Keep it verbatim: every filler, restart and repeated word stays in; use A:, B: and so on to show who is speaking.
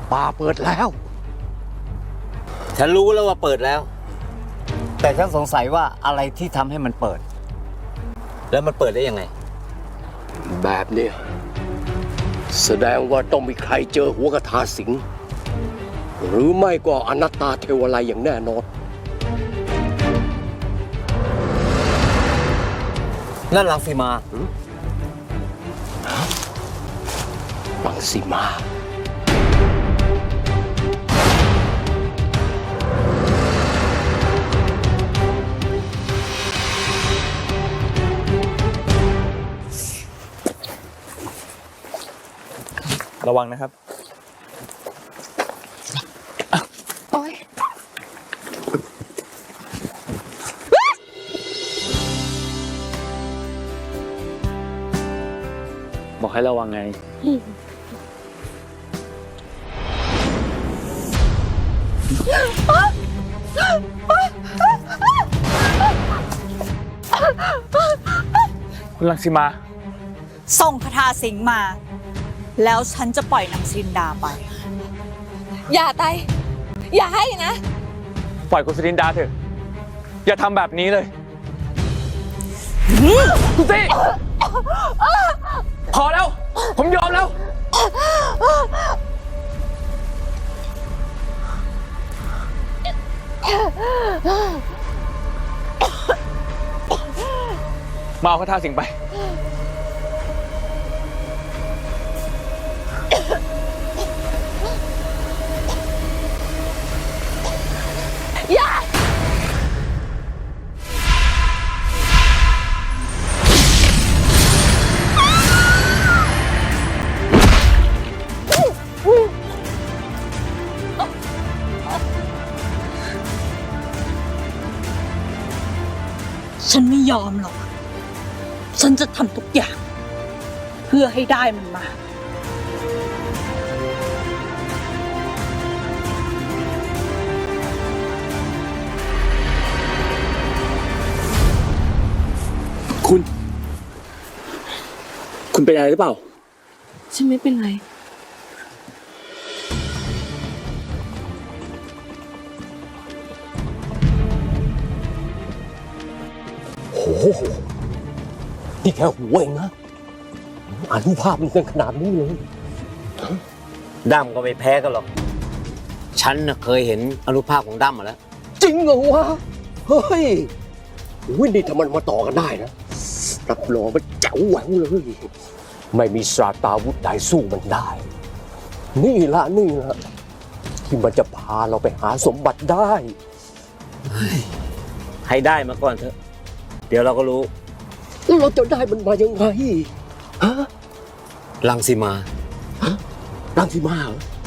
A: ป่าเปิดแล้ว
B: ฉันรู้แล้วว่าเปิดแล้ว
C: แต่ฉันสงสัยว่าอะไรที่ทำให้มันเปิด
B: แล้วมันเปิดได้ยังไง
A: แบบเนี้ยแสดงว่าต้องมีใครเจอหัวกระทาสิงหรือไม่ก็อนัตตาเทวไลยอย่างแน่นอน
B: นั่นรังสีมา
A: รังสีมา
D: ระวังนะครับ
E: โอ๊ย
D: บอกให้ระวังไง คุณลังสีมา
F: ส่งคาถาสิงมา แล้วฉันจะปล่อยนางซินดาไป
E: อย่าไตอย่าให้นะ
D: ปล่อยคุณสิรินดาเถอะ อย่าทำแบบนี้เลยคุณสิพอแล้ว ผมยอมแล้ว มาเอาคาถาสิงไป
E: อย่า
F: ฉันไม่ยอมหรอก ฉันจะทำทุกอย่าง เพื่อให้ได้มันมา
A: คุณ คุณเป็นอะไรหรือเปล่า
E: ฉันไม่เป็นไร
A: โอ้โห นี่แค่หัวเองนะอนุภาพมันกันขนาดนี้เลย
B: ดั้มก็ไม่แพ้กันหรอก ฉันน่ะเคยเห็นอนุภาพของดั้มมาแล้ว
A: จริงเหรอวะ เฮ้ยวินี่ถ้ามันมาต่อกันได้นะ รับรองว่าแจ๋วแหววเลย ไม่มีศาสตราวุธใดสู้มันได้ นี่ละนี่ละที่มันจะพาเราไปหาสมบัติได้
B: ให้ได้มาก่อนเถอะ เดี๋ยวเราก็รู้
A: แล้วเราจะได้มันมายังไง ฮะ
B: รังสีมา
A: รังสีมาเหรอ